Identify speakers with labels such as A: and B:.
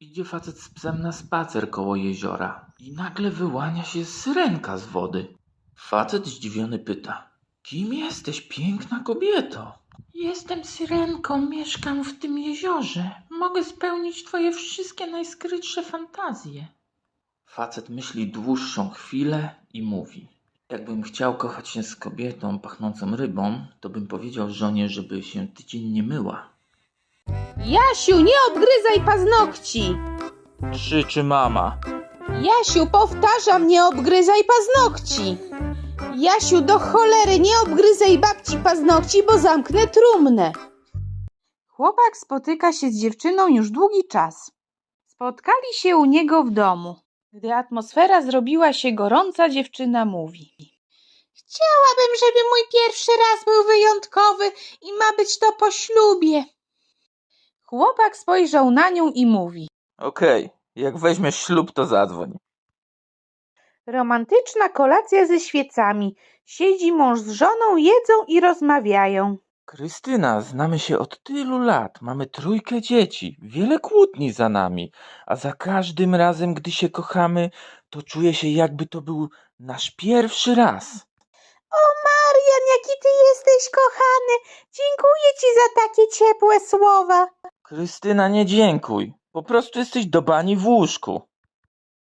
A: Idzie facet z psem na spacer koło jeziora i nagle wyłania się syrenka z wody. Facet zdziwiony pyta: kim jesteś, piękna kobieto? Jestem syrenką, mieszkam w tym jeziorze. Mogę spełnić twoje wszystkie najskrytsze fantazje. Facet myśli dłuższą chwilę i mówi: jakbym chciał kochać się z kobietą pachnącą rybą, to bym powiedział żonie, żeby się tydzień nie myła.
B: Jasiu, nie obgryzaj paznokci!
A: Krzyczy mama.
B: Jasiu, powtarzam, nie obgryzaj paznokci! Jasiu, do cholery, nie obgryzaj babci paznokci, bo zamknę trumnę. Chłopak spotyka się z dziewczyną już długi czas. Spotkali się u niego w domu. Gdy atmosfera zrobiła się gorąca, dziewczyna mówi: chciałabym, żeby mój pierwszy raz był wyjątkowy i ma być to po ślubie. Chłopak spojrzał na nią i mówi:
A: Okej, jak weźmiesz ślub, to zadzwoń.
B: romantyczna kolacja ze świecami. Siedzi mąż z żoną, jedzą i rozmawiają.
A: Krystyna, znamy się od tylu lat, mamy 3 dzieci, wiele kłótni za nami, a za każdym razem, gdy się kochamy, to czuję się, jakby to był nasz pierwszy raz.
B: O Marian, jaki ty jesteś kochany! Dziękuję ci za takie ciepłe słowa.
A: Krystyna, nie dziękuj, po prostu jesteś do bani w łóżku.